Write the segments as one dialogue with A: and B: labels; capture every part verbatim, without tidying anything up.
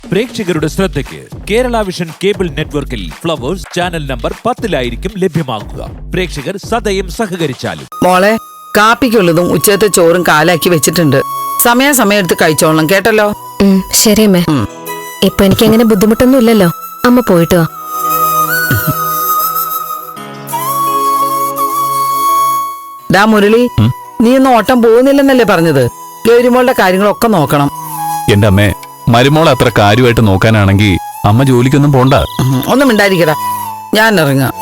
A: പ്രേക്ഷകരുടെ ശ്രദ്ധയ്ക്ക് Kerala vision cable നെറ്റ്വർക്കിൽ ഫ്ലവേഴ്സ് ചാനൽ നമ്പർ പത്തിലായിരിക്കും ലഭ്യമാകുക. പ്രേക്ഷകർ സദയം സഹകരിച്ചാലും.
B: മോളെ, കാപ്പിക്കുള്ളതും ഉച്ചത്തെ ചോറും കാലാക്കി വെച്ചിട്ടുണ്ട്. സമയാസമയം എടുത്ത് കഴിച്ചോളണം കേട്ടല്ലോ.
C: ശരി അമ്മേ. ഇപ്പൊ എനിക്ക് അങ്ങനെ ബുദ്ധിമുട്ടൊന്നും ഇല്ലല്ലോ. അമ്മ പോയിട്ട് വാ.
B: ഡാ മുരളി, നീ ഒന്നും ഓട്ടം പോകുന്നില്ലെന്നല്ലേ പറഞ്ഞത്? ഗൗരിമോളുടെ കാര്യങ്ങളൊക്കെ നോക്കണം.
D: എന്റെ അമ്മേ, മരുമോളെ അത്ര കാര്യമായിട്ട് നോക്കാനാണെങ്കിൽ അമ്മ ജോലിക്കൊന്നും പോണ്ട.
B: ഒന്നും മിണ്ടായിരിക്കടാ, ഞാൻ ഇറങ്ങാം.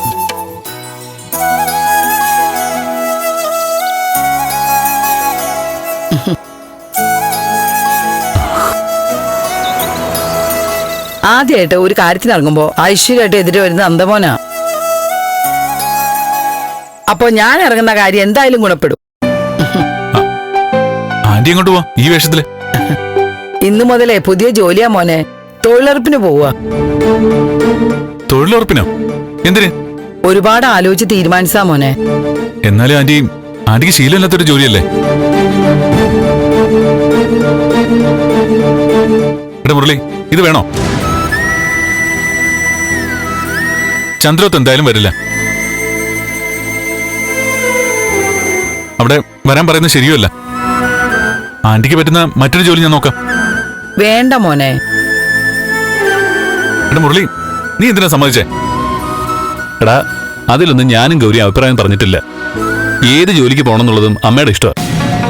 B: ആദ്യമായിട്ട് ഒരു കാര്യത്തിന് ഇറങ്ങുമ്പോ ഐശ്വര്യമായിട്ട് എതിരെ വരുന്ന അന്തമോനാ. അപ്പൊ ഞാൻ ഇറങ്ങുന്ന കാര്യം എന്തായാലും ഗുണപ്പെടും.
D: ആന്റി എങ്ങോട്ട് പോവാ ഈ വേഷത്തില്?
B: ഇന്നു മുതലേ പുതിയ ജോലിയാ മോനെ. തൊഴിലുറപ്പിന് പോവാ.
D: തൊഴിലുറപ്പിനോ? എന്തിന്?
B: ഒരുപാട് ആലോചിച്ച് തീരുമാനിച്ചാ മോനെ.
D: എന്നാലും ആന്റി, ആന്റിക്ക് ശീലമില്ലാത്തൊരു ജോലിയല്ലേ? എടാ മുരളി, ഇത് വേണോ? ചന്ദ്രോത്ത് എന്തായാലും വരില്ല. അവിടെ വരാൻ പറയുന്നത് ശരിയല്ല. ആന്റിക്ക് പറ്റുന്ന മറ്റൊരു ജോലി ഞാൻ നോക്കാം.
B: വേണ്ട മോനെ.
D: എടാ മുരളി, നീ എന്തിനാ സമ്മതിച്ചേ? എടാ, അതിലൊന്നും ഞാനും ഗൗരി അഭിപ്രായം പറഞ്ഞിട്ടില്ല. ഏത് ജോലിക്ക് പോകണമെന്നുള്ളതും അമ്മയുടെ ഇഷ്ടമാണ്.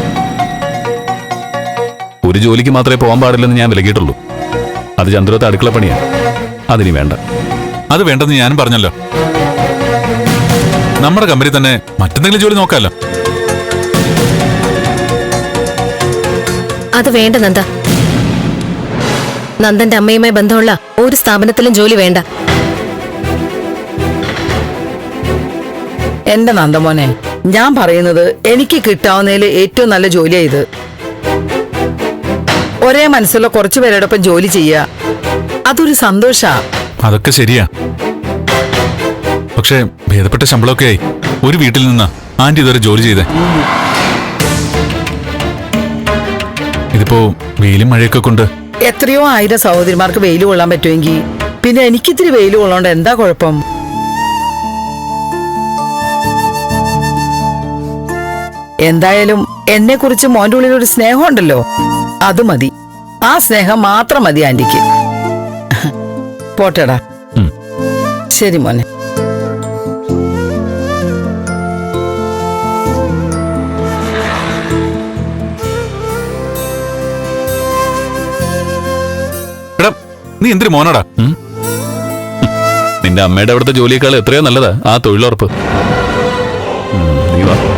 D: ഒരു ജോലിക്ക് മാത്രമേ പോകാൻ പാടില്ലെന്ന് ഞാൻ വിലക്കിയിട്ടുള്ളൂ. അത് ചന്ദ്രത്തെ അടുക്കള പണിയാണ്. അതിനി വേണ്ട. അത് വേണ്ടെന്ന് ഞാനും പറഞ്ഞല്ലോ. നമ്മുടെ കമ്പനി തന്നെ മറ്റെന്തെങ്കിലും ജോലി നോക്കാമല്ലോ.
C: അത് വേണ്ട നന്ദ. നന്ദന്റെ അമ്മയുമായി ബന്ധമുള്ള ഒരു സ്ഥാപനത്തിലും ജോലി വേണ്ട.
B: എന്റെ നന്ദമോനെ, ഞാൻ പറയുന്നത് എനിക്ക് കിട്ടാവുന്നതിൽ ഏറ്റവും നല്ല ജോലിയാ ഇത്. ഒരേ മനസ്സുള്ള കുറച്ചു പേരോടൊപ്പം ജോലി ചെയ്യുക, അതൊരു സന്തോഷാ.
D: അതൊക്കെ ശരിയാ. പക്ഷേ ഭേദപ്പെട്ട ശമ്പളമൊക്കെ ആയി ഒരു വീട്ടിൽ നിന്നാ ആന്റി ഇതുവരെ ജോലി ചെയ്തേ. ഇതിപ്പോ വെയിലും മഴയൊക്കെ കൊണ്ട്
B: എത്രയോ ആയിരം സഹോദരിമാർക്ക് വെയിൽ കൊള്ളാൻ പറ്റുമെങ്കിൽ പിന്നെ എനിക്കിത്തിരി വെയിൽ കൊള്ളോണ്ട് എന്താ കുഴപ്പം? എന്തായാലും എന്നെ കുറിച്ച് മോന്റെ ഉള്ളിൽ ഒരു സ്നേഹം ഉണ്ടല്ലോ, അത് മതി. ആ സ്നേഹം മാത്രം മതി ആന്റിക്ക്. പോട്ടേടാ. ശരി മോനെ.
D: നീ എന്തൊരു മോനാടാ. നിന്റെ അമ്മയുടെ അവിടുത്തെ ജോലിയേക്കാൾ എത്രയോ നല്ലതാ ആ തൊഴിലുറപ്പ്. നീ വാ.